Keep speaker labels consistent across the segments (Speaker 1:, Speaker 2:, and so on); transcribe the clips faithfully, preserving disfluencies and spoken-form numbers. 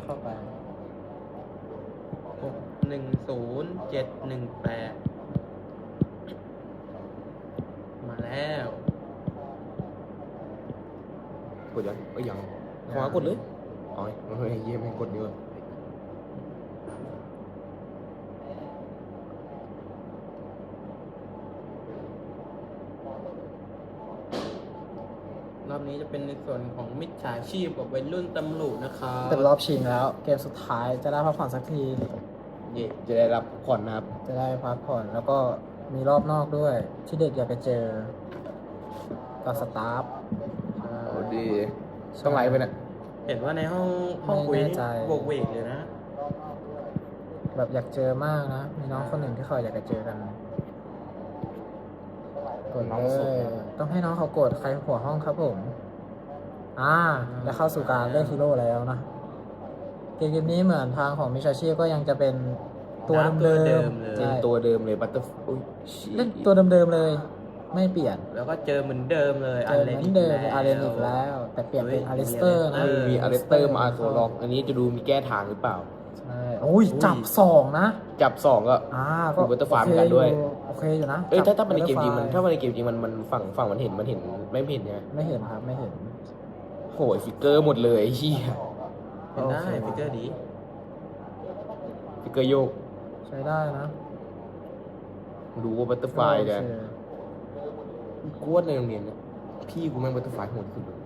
Speaker 1: เข้าไป
Speaker 2: หกหนึ่งศูนย์เจ็ดหนึ่งแปดมาแล้ว
Speaker 3: กดยังเอ้ยยังขวากดเลยอ๋อเฮ้ยเยี่ยมให้กดเยอะ
Speaker 2: รอบนี้จะเป็นในส่วนของมิจฉาชีพกับวัยรุ่นตำรวจนะครับ
Speaker 1: เป็นรอบชิงแล้ว เกมสุดท้ายจะได้พักผ่อนสักที
Speaker 3: เย่จะได้รับผ่อนนะครับ
Speaker 1: จะได้พักผ่อนแล้วก็มีรอบนอกด้วย ที่เด็กอยากไปเจอกับสตาฟ
Speaker 3: โอ้ดีต้องไลฟ์ไปเนี่ย
Speaker 2: เห็นว่าในห้องห้องคุย
Speaker 1: ไม่
Speaker 2: นี่
Speaker 1: แน่ใจ
Speaker 2: โบกเวกเลยนะ
Speaker 1: แบบอยากเจอมากนะ มีน้องคนหนึ่งที่เขาอยากจะเจอกันกดเลยต้องให้น้องเขากดใครหัวห้องครับผม อ่าจะเข้าสู่การเล่นฮีโร่แล้วนะ เกมนี้เหมือนทางของมิชาชีพก็ยังจะเป็นตัวเดิมๆ
Speaker 2: เลย
Speaker 1: ใช่
Speaker 3: ตัวเดิมเลยบัตเตอร์อุ้ย
Speaker 1: เล่นตัวเดิมๆเลย ไม่เปลี่ยน
Speaker 2: แล้วก็เจอเหมือนเดิมเลย
Speaker 1: เจอเหมือนเดิมอาร์เรนอีกแล้ว แต่เปลี่ยนเป็นอาริสเตอร์นะ
Speaker 3: มีอาร์เรสเตอร์มาตัวล็อกอันนี้จะดูมีแก้ทางหรือเปล่า
Speaker 1: ใช่โอ้ยจับสองนะ
Speaker 3: จับสองก็
Speaker 1: อ่าก็
Speaker 3: ดู Butterfly เหมือนกันด้วย
Speaker 1: โอเคอยู่นะ
Speaker 3: เอ้ยถ้า
Speaker 1: จับ
Speaker 3: ถ้ามันในเกมจริงมัน
Speaker 1: Butterfly
Speaker 3: ถ้ามันในเกมจริงมันมันฝั่งฝั่งมันเห็นมันเห็นไม่เห็นใช่ไหม
Speaker 1: ไม่เห็นครับไม่เห็น
Speaker 3: โหยฟิกเกอร์หมดเลยไอ้เหี้ย
Speaker 2: เห็นได้
Speaker 1: โอเค
Speaker 2: ฟิกเกอร์ดี
Speaker 3: ฟิกเกอร์โยก
Speaker 1: ใช้ได้นะ
Speaker 3: ดูว่าบัตเตอร์ไฟ
Speaker 1: โอ
Speaker 3: จะ
Speaker 1: เค
Speaker 3: กูว่าในโรงเรียนเนี่ยพี่กูแม่งบัตเตอร์ไฟโหดที่สุดเลย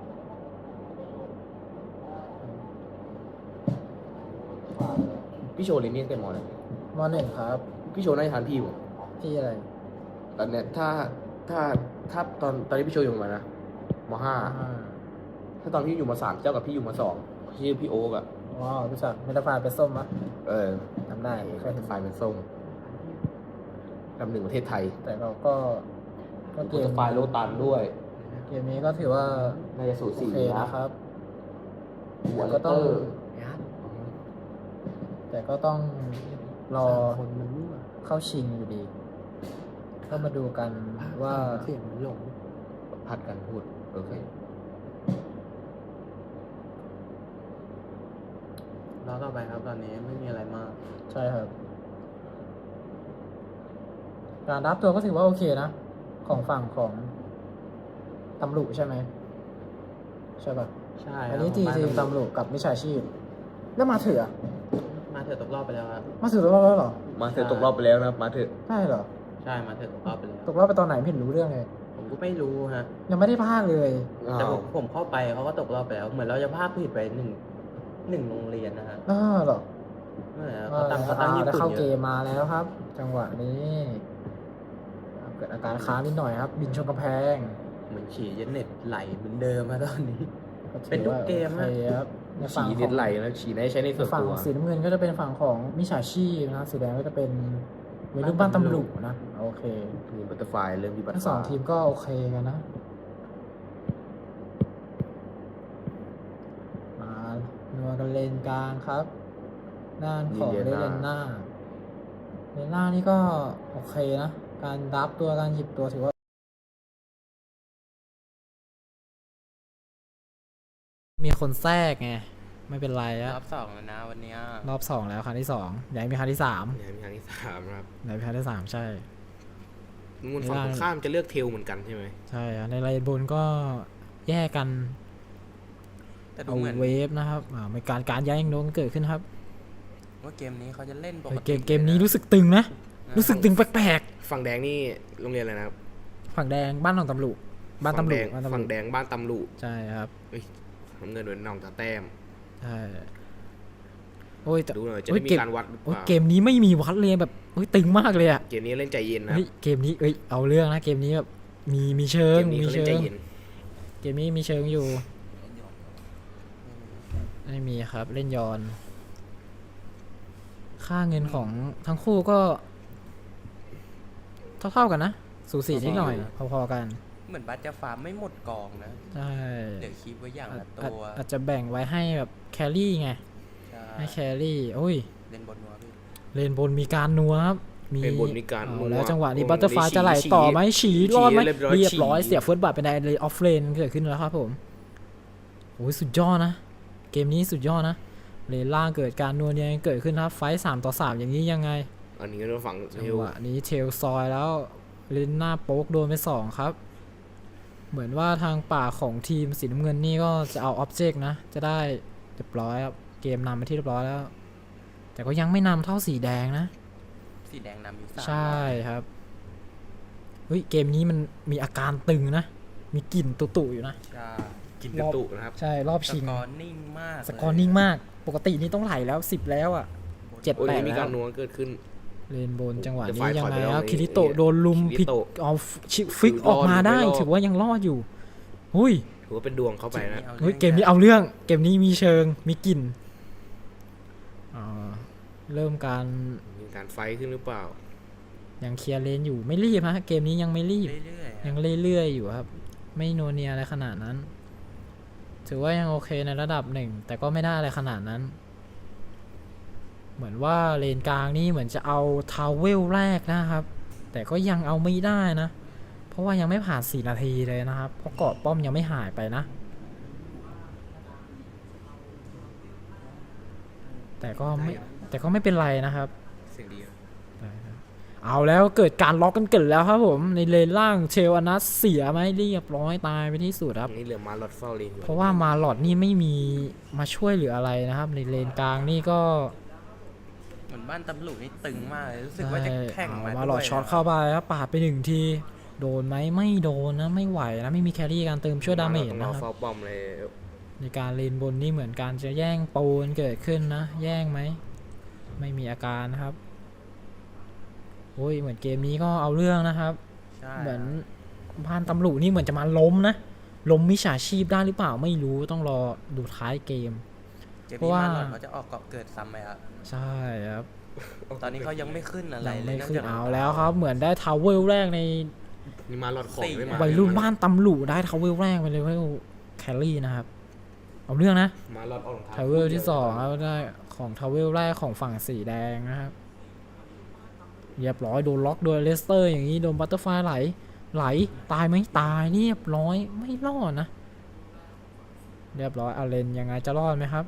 Speaker 3: พี่โชว์เรียนนี่ตั้งแต่มอไหน
Speaker 1: มหนึ่งครับ
Speaker 3: พี่โชว์น่าจะทันพี่ผม
Speaker 1: พี่อะไร
Speaker 3: ตอนเนี้ยถ้าถ้าถ้าตอนตอนนี้พี่โชว์อยู่ประมาณนะมห้า
Speaker 1: อ่า
Speaker 3: ถ้าตอนพี่อยู่มสามเจ้ากับพี่อยู่มสองชื่อพี่โอ๊กอะ
Speaker 1: ว้าวรู้จักเมตาไฟล์เป็นส้มมะ
Speaker 3: เออ
Speaker 1: จำได้เคยเห็น
Speaker 3: ไฟเป็นส้มลำหนึ่งประเทศไทย
Speaker 1: แต่เราก็ก็เก
Speaker 3: บัตเต
Speaker 1: ม
Speaker 3: อร์ไฟโลตันด้วย
Speaker 1: เกมนี้ก็ถือว่า
Speaker 3: น่าจะสู
Speaker 1: โอ
Speaker 3: สี
Speaker 1: เค
Speaker 3: นะ
Speaker 1: นะครับ
Speaker 3: หัว
Speaker 1: ก็ต้อง
Speaker 3: เตอร์
Speaker 1: แต่ก็ต้องรอ
Speaker 3: คนมันมั่ว
Speaker 1: เข้าชิงอยู่ดี ก็มาดูกันว่า
Speaker 3: เสียงมันหลงพัดกันพูดโอเค
Speaker 2: รอต่อไปครับตอนนี้ไม่มีอะไรมาก
Speaker 1: ใช่ครับ การรับตัวก็ถือว่าโอเคนะ ของฝั่งของตำรวจใช่ไหมใช่ป่ะ
Speaker 2: ใช่
Speaker 1: อันนี้
Speaker 2: ครับ
Speaker 1: ที
Speaker 2: บ้า
Speaker 1: ทีมตำรวจกับมิจฉาชีพ แล้วมาเถื่อะ
Speaker 2: มาเถอะตกรอบไปแล้วครับ
Speaker 1: มาเถื่อะรอบแล้วเหรอ
Speaker 3: มาเถอะตกรอบไปแล้วนะครับมาเถอะ
Speaker 1: ใช่เหรอ
Speaker 2: ใช่มาเถอะตกรอบไปแล้ว
Speaker 1: ตกรอบไปตอนไหนไม่เห็นรู้เรื่องเลย
Speaker 2: ผมก็ไม่รู้ฮะ
Speaker 1: ยังไม่ได้พากเลย
Speaker 2: แต่
Speaker 3: อ้า
Speaker 2: ผ
Speaker 3: ว
Speaker 2: มผมเข้าไปเขาก็ตกรอบไปแล้ว เหมือนเราจะพลาดผิดไปหนึ่งหนึ่งโรงเรียนนะฮะ
Speaker 1: อ้าเหรอ
Speaker 2: นั่นแหละเขาตั้งเขาตั้ง
Speaker 1: อ่า
Speaker 2: ญี่
Speaker 1: ได้
Speaker 2: ปุ่น
Speaker 1: เข้า
Speaker 2: เย
Speaker 1: เก
Speaker 2: อะ
Speaker 1: มมาแล้วครับ จังหวะนี้เกิดอาการค้างนิดหน่อยครับ บินชนกำแพง
Speaker 2: เหมือนฉี่เย็นเน็ตไหลเหมือนเดิมมาตอนนี้
Speaker 1: ก็ถือ
Speaker 2: เป็นทุก
Speaker 1: ว่า
Speaker 2: เกม
Speaker 1: โอเค
Speaker 2: อะ
Speaker 1: ครับในฝั่ง
Speaker 3: ฉี
Speaker 1: ข
Speaker 3: เน็
Speaker 1: อ
Speaker 3: ต
Speaker 1: ง
Speaker 3: ไหลแล้วฉีได้ใช้ในส่วน
Speaker 1: ฝั่ง
Speaker 3: ตัว
Speaker 1: สีน้ำเงินก็จะเป็นฝั่งของมิจฉาชีพนะสีแดงก็จะเป็นวัยรุ่นบ้านตำรวจนะโอเค
Speaker 3: มีบัตเตอร์ไฟเริ่มที่บัตเตอ
Speaker 1: ทั้
Speaker 3: ร์
Speaker 1: ง
Speaker 3: ไฟ
Speaker 1: สองทีมก็โอเคกันนะมานัวกันเลนกลางครับด้านของเลนหน้าเลนหน้านี่ก็โอเคนะ การรับตัวการหยิบตัวถือว่า มีคนแทรกไง ไม่เป็นไร
Speaker 2: ร
Speaker 1: อะ
Speaker 2: อบสองแล้วนะวันเนี้ย
Speaker 1: รอบสองแล้วครั้งที่สองอยากให้มีครั้งที่สาม
Speaker 3: เนี่ยมีครั้งที่สามครับ
Speaker 1: อยากมีครั้งที่สามใช่
Speaker 3: นู่นฝั่งตรงข้ามจะเลือกเทลเหมือนกันใช่ไหม
Speaker 1: ใช่อะในไลน์บนก็แยกกัน
Speaker 2: แต่ดู
Speaker 1: เอา
Speaker 2: เหมือน
Speaker 1: เวฟนะครับอ่ามีการการย้ายยังโดนเกิดขึ้นครับ
Speaker 2: ว่าเกมนี้เขาจะเล่นป
Speaker 1: เฮ้
Speaker 2: ก
Speaker 1: ย
Speaker 2: ติ
Speaker 1: เกมเกมนี้รู้สึกตึงนะ รู้สึกตึงแปลก
Speaker 3: ฝั่งแดงนี่โรงเรียนอะไรนะครับ
Speaker 1: ๆฝั่งแดงบ้านของตำรวจบ้านตำรวจบ้านตำร
Speaker 3: ฝั่
Speaker 1: ว
Speaker 3: ง
Speaker 1: จ
Speaker 3: แดงบ้านตำรวจ
Speaker 1: ใช่ครับ
Speaker 3: น้ำเงินโดนน้องตาแต้ม
Speaker 1: ใช่โอ้ยแต่
Speaker 3: ดูหน่อยจะ
Speaker 1: โอ้
Speaker 3: ได้
Speaker 1: ย
Speaker 3: มี
Speaker 1: เกม
Speaker 3: การวัดหรือเป
Speaker 1: โอ้ย
Speaker 3: ล่า
Speaker 1: เกมนี้ไม่มีวัดเลยแบบเฮ้ยตึงมากเลยอะ
Speaker 3: เกมนี้เล่นใจเย็นนะ
Speaker 1: เฮ้ยเกมนี้เอ้ยเอาเรื่องนะเกมนี้แบบมีมีเชิ
Speaker 3: เก
Speaker 1: ง
Speaker 3: มนี้
Speaker 1: มี
Speaker 3: เขาเล่
Speaker 1: เชิ
Speaker 3: นใจ
Speaker 1: ง
Speaker 3: เย็น
Speaker 1: เกมนี้มีเชิงอยู่ไม่มีครับเล่นยอน ค่าเงินของทั้งคู่ก็เท่าๆกันนะ สูสีนิดหน่อย พอๆกัน
Speaker 2: เหมือนบัตจะฟาร์มไม่หมดกองนะ
Speaker 1: ใช่
Speaker 2: เดี๋ยวคิดไว้อย่าง
Speaker 1: อาจ
Speaker 2: ละ
Speaker 1: อาจ
Speaker 2: ตัว
Speaker 1: อาจจะแบ่งไว้ให้แบบแครี่ไง
Speaker 2: ใช่
Speaker 1: ให้แครี่โอ้ย
Speaker 2: เล่นบนนัวพี่
Speaker 1: เลนบนมีการนัวครับ
Speaker 3: เป็นบนมีการ
Speaker 1: เอา
Speaker 3: นัว
Speaker 1: แล้วจังหวะนี้
Speaker 3: วง
Speaker 1: บัตเตอร์ไฟ
Speaker 3: นี้
Speaker 1: จะไหล
Speaker 3: ฉี่
Speaker 1: ต่อไหมฉี
Speaker 3: ฉี่
Speaker 1: รอดไหม
Speaker 3: เรียบร้อย
Speaker 1: เรียบร้อย
Speaker 3: ฉี่
Speaker 1: เสียเฟิร์สบัตเป็นไดเลยออฟเลนเกิดขึ้นแล้วครับผมโอ้ยสุดยอดนะ เกมนี้สุดยอดนะเลนล่างเกิดการนัวเนียเกิดขึ้นครับไฟท์สามต่อสามอย่างนี้ยังไง
Speaker 3: อันนี้ก็โดนฝั่ง
Speaker 1: จั
Speaker 3: เท
Speaker 1: ง
Speaker 3: ล
Speaker 1: หวะนี้เทลซอยแล้วเลนหน้าโป๊กโดนไปสองครับ เหมือนว่าทางป่าของทีมสีน้ำเงินนี่ก็จะเอาอ็อบเจกต์นะจะได้เรียบร้อยครับเกมนำไปที่เรียบร้อยแล้ว แต่ก็ยังไม่นำเท่าสีแดงนะ
Speaker 2: สีแดงนำอยู่สาม
Speaker 1: ใช่ครับเฮ้ยเกมนี้มันมีอาการตึงนะ มีกลิ่นตุๆอยู่นะ
Speaker 2: ใช่
Speaker 3: กิน
Speaker 1: ร
Speaker 3: กระ
Speaker 1: อบ
Speaker 3: ตุนะครับ
Speaker 1: ใช่รอบ
Speaker 2: ส
Speaker 1: ชิง
Speaker 2: กอร์นิ่งมาก
Speaker 1: สกอร์นิ่งมาก ปกตินี่ต้องไหลแล้วสิบแล้วอ่ะ เจ็ด
Speaker 3: โอ้ย
Speaker 1: แปด
Speaker 3: มี
Speaker 1: แล้
Speaker 3: กาว รนัวเกิดขึ้น
Speaker 1: เลนบนจังหวะ
Speaker 3: เดี๋ยว
Speaker 1: นี้
Speaker 3: ฝ่าย
Speaker 1: ยัง
Speaker 3: ถอย
Speaker 1: ไง
Speaker 3: ไปแล้ว
Speaker 1: ครับ
Speaker 3: ใน
Speaker 1: คิริโตะโดนลุม
Speaker 3: คิริ
Speaker 1: ผิด
Speaker 3: โตะ
Speaker 1: เอาชิฟิก
Speaker 3: อยู่
Speaker 1: ออกมาได้
Speaker 3: รอดอยู่
Speaker 1: ถือว่ายังรอดอยู่หุย
Speaker 3: ถือว่าเป็นดวงเข้าไปนะ
Speaker 1: เฮ้ยเกมนี้เอาเรื่องเกมนี้มีเชิงมีกลิ่นอ่าเริ่มการ
Speaker 3: มีการไฟท์ขึ้นหรือเปล่า
Speaker 1: ยังเคลียร์เลนอยู่ไม่รีบฮะเกมนี้ยังไม่รีบ
Speaker 2: เรื่อยๆ
Speaker 1: ยังเรื่อยๆอยู่ครับ ไม่โนวเนียอะไรขนาดนั้น ถือว่ายังโอเคในระดับหนึ่ง แต่ก็ไม่ได้อะไรขนาดนั้น เหมือนว่าเลนกลางนี่เหมือนจะเอาทาวเวลแรกนะครับ แต่ก็ยังเอาไม่ได้นะ เพราะว่ายังไม่ผ่านสี่นาทีเลยนะครับ เพราะเกาะป้อมยังไม่หายไปนะ แต่ก็ไม่แต่ก็ไม่เป็นไรนะครับ
Speaker 3: เสียงดีนะ
Speaker 1: เอาแล้วเกิดการล็อกกันเกิดแล้วครับผมในเลนล่างเชลอนัสเสียไหมเรียบร้อยตายไปที่สุดครับ
Speaker 3: นี่เหลือมาลอดเฝ้าเลนอยู่
Speaker 1: เพราะว่ามาหลอดนี่ไม่มีมาช่วยเหลืออะไรนะครับ ในเลนกลางนี่ก็
Speaker 2: เหมือนบ้านตำรวจนี่ตึงมากเลยรู้สึกว่าจะแข่ง
Speaker 1: เอา
Speaker 2: มา
Speaker 1: มาหลอด
Speaker 2: ด้วย
Speaker 1: ช็อต
Speaker 2: นะ
Speaker 1: เข้าไปครับปาดไปหนึ่งทีโดนไหมไม่โดนนะไม่ไหวนะไม่มีแครี่การเติมช่วยดาเมจ
Speaker 3: ต้อง
Speaker 1: นะ
Speaker 3: รอ
Speaker 1: ครับ
Speaker 3: เฝ้าป้อมเลย
Speaker 1: ในการเลนบนนี่เหมือนการจะแย่งปูนเกิดขึ้นนะ แย่งไหมไม่มีอาการนะครับโอ้ยเหมือนเกมนี้ก็เอาเรื่องนะครับ
Speaker 2: ใช่
Speaker 1: เหมือนบ้านตำรวจนี่เหมือนจะมาล้มนะล้มมิจฉาชีพได้หรือเปล่าไม่รู้ต้องรอดูท้ายเกม
Speaker 2: เกม
Speaker 1: เพราะ
Speaker 2: นี้
Speaker 1: ว่า
Speaker 2: มาหลอดเขาจะออกเกาะเกิดซ้ำไหมครับ
Speaker 1: ใช่ครับ
Speaker 2: ตอนนี้เขายังไม่ขึ้นอะไร
Speaker 1: ยัง
Speaker 2: เล
Speaker 1: ไม่
Speaker 2: ย
Speaker 1: ขึ้นเอาแล้วครับ เหมือนได้ทาวเวลแรกใน
Speaker 3: นี่มาลอดของไม่มา
Speaker 1: วัยรุ่นบ้านตำรวจได้ทาวเวลแรกไปเลยเวลแคลรี่นะครับเอาเรื่องนะ
Speaker 3: มาลอดออกรองเท้า
Speaker 1: ทาวเวลที่สองครับได้ของทาวเวลแรกของฝั่งสีแดงนะครับเรียบร้อยโดนล็อกโดยเลสเตอร์อย่างนี้โดนบัตเตอร์ไฟไหลไหลตายไหมตายเรียบร้อยไม่รอดนะเรียบร้อยอาเลนยังไงจะรอดไหมครับ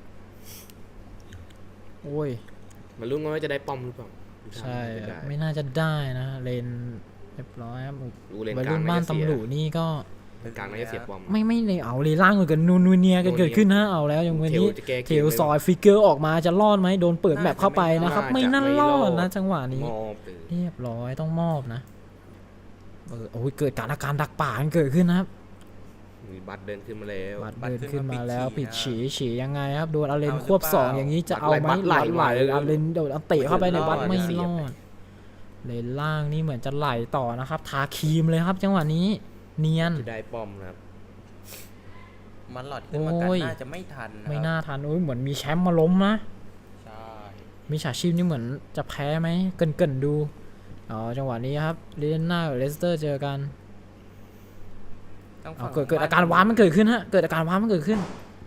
Speaker 1: โอ้ย
Speaker 3: มาลุ้นกันว่าจะได้ป้อมหรือเปล่า
Speaker 1: ใช่
Speaker 3: ไม่ได้
Speaker 1: ไม่น่าจะได้นะเลนเรียบร้อยครับ
Speaker 3: ดูเลน
Speaker 1: วัย
Speaker 3: กลาง
Speaker 1: รุ่นบ้าน
Speaker 3: จะเสีย
Speaker 1: ตำรวจนี่ก็
Speaker 3: เลนกลางน่าจะเสียป้อม
Speaker 1: ไม่ไม่เลยเอาเลยล่างกันนูนูเนียกันเกิดขึ้นนะเอาแล้วอย่างวันนี้
Speaker 3: เทลจะแก้เกม
Speaker 1: เทลซอยฟิกเกอร์ออกมาจะรอดไหมโดนเปิดแมปเข้าไปนะครับ ไม่น่ารอดนะจังหวะนี้
Speaker 3: มอบเลย
Speaker 1: เรียบร้อยต้องมอบนะเออโอ้ยเกิดการอาการดักป่ากันเกิดขึ้นนะครับ
Speaker 3: มีบัตรเดินขึ้นมาแล้ว
Speaker 1: บัตรเดินขึ้นมาแล้วปิดฉีฉียังไงครับโดนอาเลนควบสองอย่างนี้จะเอาไหม
Speaker 3: บัตรไหล
Speaker 1: บัตรไหล
Speaker 3: บัตรไหล
Speaker 1: อาเลนโดนเอาเตะเข้าไปในบัตรไม่
Speaker 3: เสี
Speaker 1: ร
Speaker 3: ยบ
Speaker 1: อดเลนล่างนี่เหมือนจะไหลต่อนะครับทาครีมเลยครับ จังหวะนี้เนียน
Speaker 3: จะได้ป้อมนะครับ
Speaker 2: มันหลอดขึ้นมากัน
Speaker 1: โอ้ย
Speaker 2: น่าจะไม่ทันนะครับ
Speaker 1: ไม่น่าทันโอ้ยเหมือนมีแชมป์มาล้มนะ
Speaker 2: ใช่
Speaker 1: มิจฉาชีพนี่เหมือนจะแพ้ไหมเกินเกินๆดูอ๋อจังหวะนี้ครับเลนหน้ากับเลสเตอร์เจอกัน
Speaker 2: ต้อง
Speaker 1: เอา
Speaker 2: ฝั่ง
Speaker 1: เกิดเกิด
Speaker 2: บ้
Speaker 1: อาการว้ามันเกิดขึ้นฮะเกิดอาการว้ามันเกิดขึ้น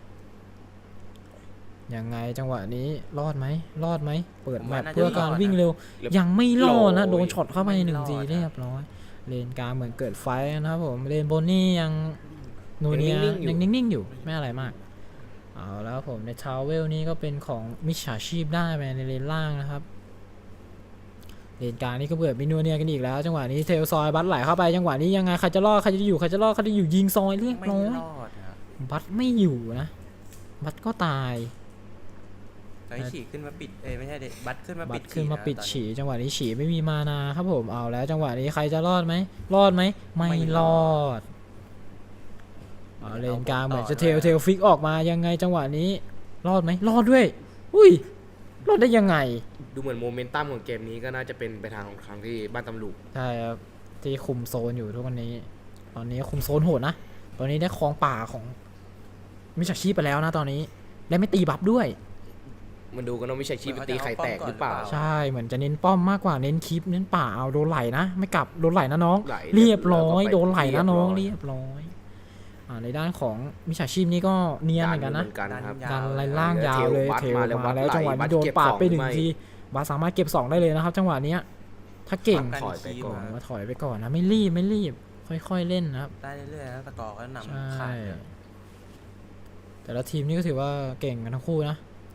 Speaker 1: ยังไงจังหวะนี้รอดไหมรอดไหมเปิดแมปเพื่อการวิ่งเร็ว ยังไม่รอดนะโดนช็อตเข้าไปหนึ่งทีเรียบร้อยเลนกลางเหมือนเกิดไฟนะครับผมเลนบนนี่ยังนูเนียยังนิ่งๆอยู่ไม่อะไรมากเอาแล้วผมในทาวเวลนี้ก็เป็นของมิจฉาชีพได้ไปในเลนล่างนะครับเลนกลางนี่ก็เปิดมินูเนียกันอีกแล้วจังหวะนี้เทลซอยบัตไหลเข้าไปจังหวะนี้ยังไงใครจะรอดใครจะอยู่ใครจะรอดใครจะอยู่ยิงซอยเรียบ
Speaker 2: ไม่
Speaker 1: ร้อย
Speaker 2: รอดนะครับ
Speaker 1: บัตไม่อยู่นะบัตก็ตาย
Speaker 2: ไอ้ฉีกขึ้นมาปิดเอ้ยไม่ใช่เด็บัตขึ้นมา
Speaker 1: บั
Speaker 2: ปิ
Speaker 1: ต
Speaker 2: ด
Speaker 1: ขึ้นมา
Speaker 2: ขีะ
Speaker 1: ปิด
Speaker 2: ตอนนี้
Speaker 1: ฉีจังหวะนี้ฉีไม่มีมานาครับผมเอาแล้วจังหวะนี้ใครจะรอดไหมรอดไหมไม่รอดเอาเลนกลางเหมือนจะเทลเทลฟิกออกมายังไงจังหวะนี้รอดไหมรอดด้วยอุ้ยรอดได้ยังไง
Speaker 3: ดูเหมือนโมเมนตัมของเกมนี้ก็น่าจะเป็นไปทางของทางที่บ้านตำรวจ
Speaker 1: ใช่ครับที่คุมโซนอยู่ทุกวันนี้ ตอนนี้คุมโซนโหดนะตอนนี้ได้ครองป่าของมิจฉาชีพไปแล้วนะตอนนี้และไม่ตีบัฟด้วย
Speaker 3: มันดูกันว่าไม่ใช่ชีพไปตีไข่แตกหรือเปล่า
Speaker 1: ใช่เหมือนจะเน้นป้อมมากกว่าเน้นคลิปเน้นป่าเอาโดนไหลนะไม่กลับโดนไหลนะน้อง
Speaker 3: ไหล
Speaker 1: เรียบร้อย
Speaker 3: แล้วก็ไป
Speaker 1: โดนไหลนะน้อง
Speaker 3: เรี
Speaker 1: เรี
Speaker 3: ย
Speaker 1: ย
Speaker 3: บบ ร้
Speaker 1: ร้
Speaker 3: อ
Speaker 1: อย ยอ่าในด้านของมิจฉาชีพนี่ก็เนียนเหมือนกันนะ
Speaker 3: กันครับ
Speaker 1: ดันไล่ล่างยาวเลย
Speaker 3: เท
Speaker 1: เท
Speaker 3: ล
Speaker 1: ล
Speaker 3: บัส
Speaker 1: มา
Speaker 3: มาแล้
Speaker 1: แล้ว
Speaker 3: ว
Speaker 1: จังหวะ
Speaker 3: บั
Speaker 1: นี้
Speaker 3: ส
Speaker 1: โดน
Speaker 3: เก็บ
Speaker 1: ปาด
Speaker 3: สอง
Speaker 1: ไปหนึ่ง
Speaker 3: ไม่
Speaker 1: ทีบาสสามารถเก็บสองได้เลยนะครับ จังหวะเนี้ยถ้าเก่ง
Speaker 3: ถอยไปก่อน
Speaker 1: มาถอยไปก่อนนะไม่รีบไม่รีบค่อยๆเล่นนะครับ
Speaker 2: ได้เรื่อยๆแล้วสกอร์ก็นำ
Speaker 1: ใช่
Speaker 2: ขาดเลย
Speaker 1: แต่ละทีมนี่ก็ถือว่าเก่งกันทั้งคู่นะ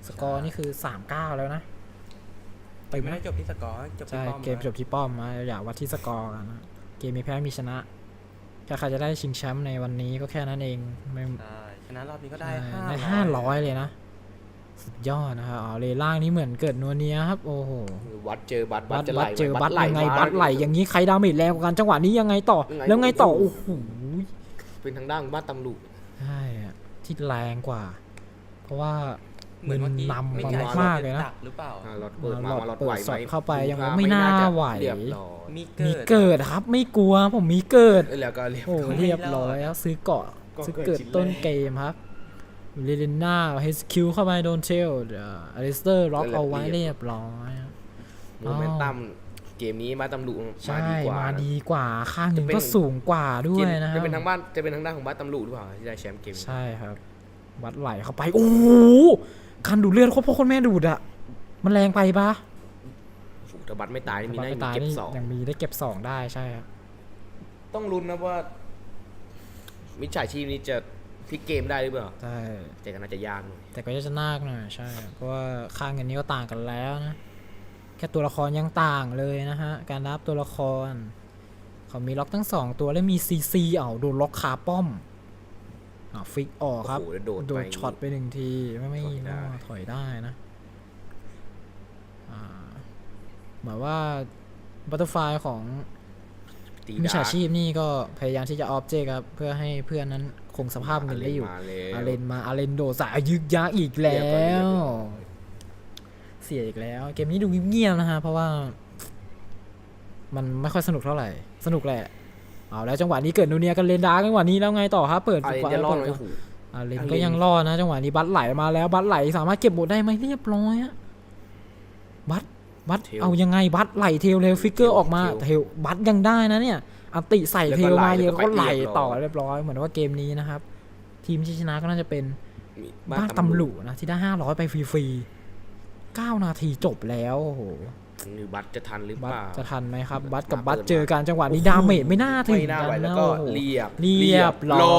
Speaker 1: สกอร์นี่คือสามเก้าแล้วนะ
Speaker 2: แต่ไม่ได้จบที่สกอร์จบที่
Speaker 1: ใช่
Speaker 2: ป้อม
Speaker 1: เกมจบที่ป้อมนะอย่าวัดที่สกอร์กันนะเกมมีแพ้มีชนะแค่ใครจะได้ชิงแชมป์ในวันนี้ก็แค่นั้นเองไม่
Speaker 2: ใช่ชนะรอบนี้ก็ได้
Speaker 1: ใช่
Speaker 2: ห้า
Speaker 1: ได้ห้าร้อยเลยนะ สุดยอดนะครับอ๋อเลล่างนี้เหมือนเกิดนัวเนียครับ โอ้โห
Speaker 3: วัดเจอบัตร
Speaker 1: บั
Speaker 3: บั
Speaker 1: ต
Speaker 3: ตรจะไหล
Speaker 1: บัตเจอบัต
Speaker 3: ไหล
Speaker 1: ยังไง
Speaker 3: มา
Speaker 1: บัตไหลอย่างนี้ใครดาเมจแรงกว่ากันจังหวะนี้ยังไงต่อ
Speaker 3: ยังไง
Speaker 1: แล้วไงต่อ
Speaker 3: โอ้
Speaker 1: โอ้
Speaker 3: โห
Speaker 1: โห
Speaker 3: เป็นทางด้านบ้านตำลุ
Speaker 1: ใช่อะที่แรงกว่า เพราะว่า
Speaker 2: เหมือนเมื่อกี้
Speaker 1: นำ
Speaker 2: ไม่
Speaker 1: มา
Speaker 2: ใช่
Speaker 1: มากเลยนะ
Speaker 2: ดักหรือเปล่า
Speaker 3: อ่าล็อตเปิดมา
Speaker 1: หลอด
Speaker 3: มาล็อต
Speaker 1: เปิด
Speaker 3: ไหว
Speaker 1: ส
Speaker 3: ไหม
Speaker 1: อดเข้าไปยัง
Speaker 3: ดูท่
Speaker 1: ไม่น่า
Speaker 3: จะ
Speaker 1: ไหว
Speaker 3: เรียบร้อย
Speaker 2: มี
Speaker 1: มี
Speaker 2: เกิด
Speaker 1: เกิดครับไม่กลัวผมมีเกิด
Speaker 3: เอ้ยแล้วก็เรียบ
Speaker 1: โอ้
Speaker 3: ร้อย
Speaker 1: เรียบร้อยแล้วซื้อเกาะ
Speaker 3: ก็
Speaker 1: ซื้อ
Speaker 3: เกิ
Speaker 1: เกิ
Speaker 3: ด
Speaker 1: ด
Speaker 3: ชิ้น
Speaker 1: ต้น
Speaker 3: แรก
Speaker 1: เกมครับเรเลน่าเฮสคิวเข้าไปโดนเทลอลิสเตอร์ล็อกเอาไว้เรียบร้อย
Speaker 3: โมเมนตัมเกมนี้บ้านตำลุ
Speaker 1: ใช่
Speaker 3: มาดีกว่า
Speaker 1: มาดีกว่าข้างหนึ่ง
Speaker 3: จะเป็น
Speaker 1: ก็สูงกว่าด้วยนะครั
Speaker 3: จะ
Speaker 1: บ
Speaker 3: เป็นทางบ้านจะเป็นทางด้านของบ้านตำลุหรือเปล่าที่ได้แชมป์เกมนี้
Speaker 1: ใช่ครับ วัดไหลเข้าไป โอ้โหคันดูดเลือดโคตรพ่อโคนแม่ดูดอะมันแรงไปปะ
Speaker 3: โอ้โหถ้าบัตรไม่ตายนี่มี
Speaker 1: บัต
Speaker 3: ได้
Speaker 1: รไม่ตาย
Speaker 3: เก็บ
Speaker 1: นี่
Speaker 3: สอง
Speaker 1: ยังมีได้เก็บสองได้ใช่ครับ
Speaker 3: ต้องลุ้นนะว่า มิจฉาชีพนี้จะพลิกเกมได้หรือเปล่า
Speaker 1: ใช่
Speaker 3: แต่ก็น่าจะยากหน่อย
Speaker 1: แต่ก็จะนากหน่อยใช่ เพราะว่าค่าเงินนี้ก็ต่างกันแล้วนะ แค่ตัวละครยังต่างเลยนะฮะ การรับตัวละคร เขามีล็อกทั้งสองตัวและมีซีซีเอาโดนล็อกคาป้อมอ่าฟิกออกครับ
Speaker 3: โอ้โหแล้วโดด
Speaker 1: โด
Speaker 3: ไป
Speaker 1: นช็อตไปหนึ่งทีไม่ไม่
Speaker 3: ถอยได้
Speaker 1: ถอยได้นะอ่าหมายว่าบัตเตอร์ไฟของ
Speaker 3: ตี
Speaker 1: มิจฉา
Speaker 3: ดา
Speaker 1: ชีพนี่ก็พยายามที่จะออบเจกครับ เพื่อให้เพื่อนนั้นคงสภาพเงินได้อยู่
Speaker 3: มาแล้ว
Speaker 1: อาเลนมาอาเลนโดดสายยึกยักอีกแล้
Speaker 3: เรียบร้อยเรียบ
Speaker 1: ว
Speaker 3: ร้อย
Speaker 1: เสียอีกแล้ว เกมนี้ดูเงียบๆนะฮะ เพราะว่า มันไม่ค่อยสนุกเท่าไหร่ สนุกแหละ เอาแล้วจังหวะนี้เกิดนูเนียกันเลนดาร์กจังหวะนี้แล้วไงต่อครับเปิด
Speaker 3: อาเลน
Speaker 1: ขวา
Speaker 3: จะรอด
Speaker 1: เปิ
Speaker 3: ไหม
Speaker 1: ด
Speaker 3: โอ้โห
Speaker 1: อาเลน
Speaker 3: อาเลน
Speaker 1: ก็ยังรอดนะจังหวะนี้บัตไหลมาแล้วบัตไหลสามารถเก็บหมดได้ไหมเรียบร้อยอะบัตบัตเอายังไงบัตไหลเทลเร็วฟิกเกอร์ออกมาเทลบัตยังได้นะเนี่ยอันติใส่เทลมาเยอะก็ไหลต่อเรียบร้อยเหมือนว่าเกมนี้นะครับ ทีมที่ชนะก็น่าจะเป็น
Speaker 3: มี
Speaker 1: บ้านตำหลุนะที่ได้ห้าร้อยไปฟรีๆเก้านาทีจบแล้วโอ้โห
Speaker 3: หรือบัตรจะทันหรือ
Speaker 1: บั
Speaker 3: เป
Speaker 1: ต
Speaker 3: ล่า
Speaker 1: จะทันไหมครับ บัตกับ
Speaker 3: มา
Speaker 1: บัต
Speaker 3: เปิด
Speaker 1: เจอกันจังหวะนี้
Speaker 3: โอ้โห
Speaker 1: ดาเมจไม่น่าถึง
Speaker 3: ไม่น่า
Speaker 1: กั
Speaker 3: ไหวน แล้ว
Speaker 1: นะ
Speaker 3: ก็
Speaker 1: โอ้โห
Speaker 3: เรียบ
Speaker 1: เรียบร้อย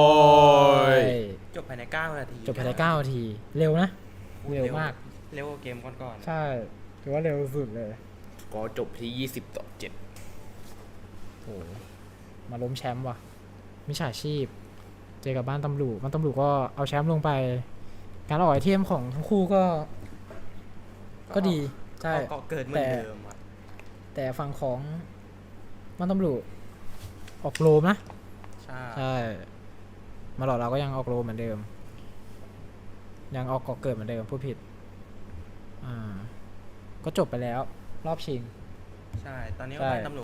Speaker 2: จบภายในเก้านาที
Speaker 1: จบภายในเก้านาที เร็วนะ เร็วมาก
Speaker 2: เร็วกว่าเกมก่อนๆ
Speaker 1: ใช่ถือว่าเร็วสุดเลย
Speaker 3: ก็จบที่ยี่สิบต่อเจ็ด
Speaker 1: โอ้โหมาล้มแชมป์ว่ะมิจฉาชีพ เจอกับบ้านตำรวจบ้านตำรวจก็เอาแชมป์ลงไป การออกไอเทมของทั้งคู่ก็ ก็ดีใช่
Speaker 2: ก็เกิดเหมือนเดิมอะ
Speaker 1: แต่ฝั่งของบ้านตำรวจออกโลมนะ
Speaker 2: ใช่
Speaker 1: ใช่ มาหลอดเราก็ยังออกโลเหมือนเดิม ยังออกก่อเกิดเหมือนเดิมพูดผิด อ่า ก็จบไปแล้ว รอบชิง
Speaker 2: ใช่ ตอนนี้
Speaker 1: ใช่
Speaker 2: ว่าตำรวจ